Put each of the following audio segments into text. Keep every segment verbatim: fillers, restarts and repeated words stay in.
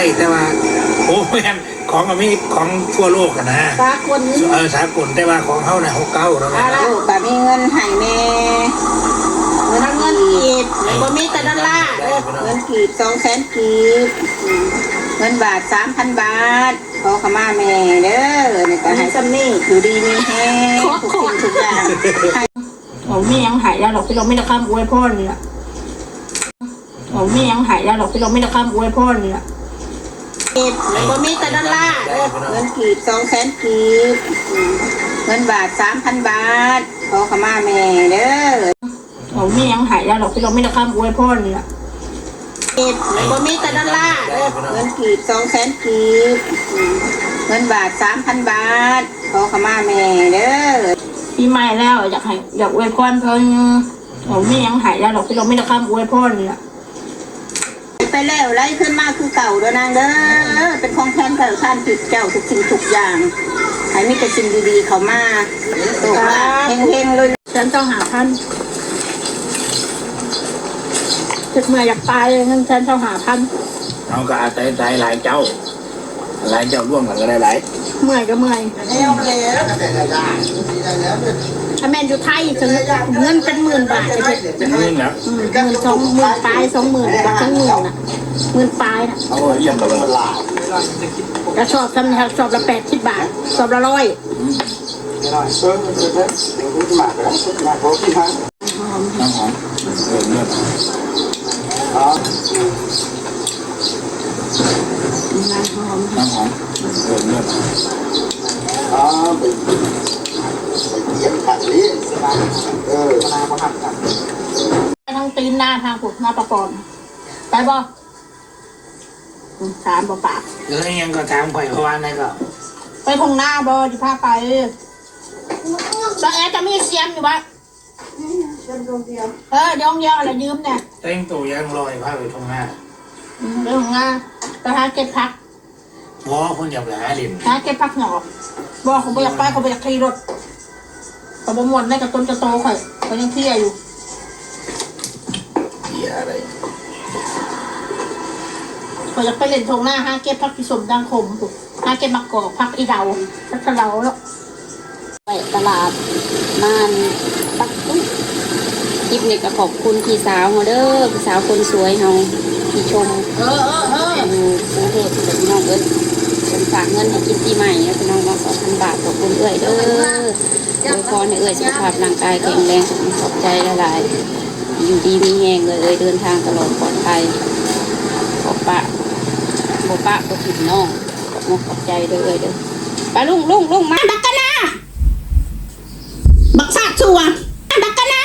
ได้แต่ว่าโอ้แม่นของอเมริกของทั่วโลกกันนะสากลเออสากลแต่ว่าของเขาเนี่ยหกเก้าแล้วนะลูกก็มีเงินให้แม่เงินเงินกีบบ่มีแต่ดอลลาร์เงินกีบสองแสนกีบเงินบาทสามพันบาทขอขมาแม่เด้อนี่ก็ให้ซ้ำนี่อยู่ดีมีแห้งทุกสิ่งทุกอย่างเราไม่ยังหายแล้วหรอกที่เราไม่ได้ข้ามอวยพ่อนี่แหละเราไม่ยังหายแล้วหรอกที่เราไม่ได้ข้ามอวยพ่อนี่แหละกีบบ่มีแต่ดอลลาร์เงินกีบสองแสนกีบเงินบาทสามพันบาทขอขมาแม่เด้อเราไม่ยังหายแล้วหรอกที่เราไม่ได้ข้ามอวยพ่อนี่แหละกีบบ่มีแต่ดอลลาร์เงินกีบสองแสนกีบเงินบาทสามพันบาทขอขมาแม่เด้อปีใหม่แล้วอยากให้อยากอวยพรเพิ่นเราไม่ยังหายแล้วหรอกที่เราไม่ได้ข้ามอวยพ่อนี่แหละไปแล้วไล่ขึ้นมาคือเก่าเด้อนางเด้อเป็นของแทนเก่าท่านจุดเจ้าทุกสิ่งทุกอย่างให้มีแต่สิ่งดีๆเข้ามาตกมาเฮงๆเลยฉันต้องหาพันจุดเมื่ออยากตายงั้นฉันต้องหาพันเอาก็อาจจะตายหลายเจ้าหลายเจ้าร่วมกันก็ได้หลายเมื่อยก็เมื่อยถ้าแม่อยู่ไทยจะเงินเป็นหมื่นบาทเลยเงินนะเงินสองหมื่นปลายสองหมื่นกับสองหมื่นอ่ะหมื่นปลายนะเอาเยี่ยมเลยกระสอบทำเนี่ยสอบละแปดสิบบาทสอบละร้อยน้ำหอมเออเนื้อน้ำหอมเออเนื้ออ๋อไปไปเยี่ยมขัดนี้เออมาประหัตกันไปทางตีนหน้าทางผุดหน้าประกอบไปบ่ถามบ่ปากแล้วยังก็ถามข่อยเพราะว่าไหนก็ไปทงหน้าบ่ที่พาไปตอนแอร์จะมีเสียมอยู่บ้านเออเดี๋ยวเดียวอะไรยืมเนี่ยเต้งตัวยังลอยพาไปทงหน้าเรื่องงานไปหาเก็บผักบ่คนอยากหาดินหาเก็บผักหนอกบ่เขาไปอยากไปเขาไปอยากขี่รถเขาบ่ม่วนได้กับต้นจะโตข่อยเขายังเที่ยอยู่เที่ยอะไรเขาอยากไปเล่นทงหน้าหาเก็บผักพิสมดังคมถูกหาเก็บมะกอกผักอีเดาผักกระเดาแล้วไปตลาดม่านปักตุ้งคลิปนี้ก็ขอบคุณพี่สาวเด้อพี่สาวคนสวยเฮาที่ชมเออเออเอออยู่กรุงเทพเป็นน้องเอิ้นเป็นฝากเงินให้กินปีใหม่แล้วเป็นน้องมาสองพันบาทขอบคุณเอ้ยเด้อโดยพรให้เอ้ยสุขภาพร่างกายแข็งแรงขอบใจหลายๆอยู่ดีมีแรงเลยเอ้ยเดินทางตลอดปลอดภัยขอบปะขอบปะขอบถิ่นน้องขอบขอบใจเด้อเอ้ยเด้อไปลุงลุงลุงมาบักกันนะบักซาดชัวบักกันนะ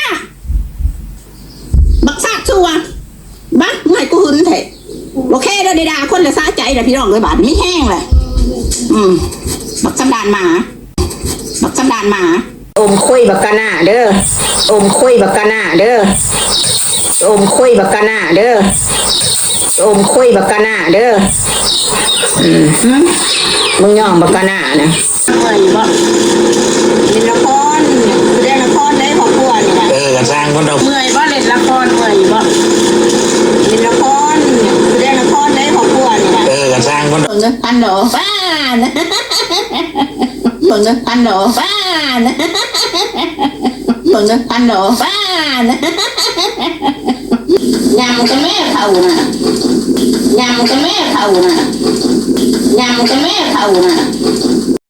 บักซาดชัวบักไม่กูหึนเถอะโอเคเด้อเดดาคนละซาใจเด้อพี่น้องเลยบาดไม่แห้งเลยอืมบักสันดานหมาบักสันดานหมาอมคุยบักกะหน้าเด้ออมคุยบักกะหน้าเด้ออมคุยบักกะหน้าเด้ออมคุยบักกะหน้าเด้ออืมมึงย่องบักกะหน้านะเมื่อยบ่เล่นละครเล่นละครได้ของพวกนี่เออกระสร้างคนเราเมื่อยบ่เล่นละครเมื่อยบ่เล่นละครเล่นละครได้ของพวกนี่เออกระสร้างคนเราเบิ่งพันดอกบ้านเบิ่งพันดอกบ้านเบิ่งพันดอกบ้านยำกับแม่เขาน่ะยำกับแม่เขาน่ะยำกับแม่เขาน่ะ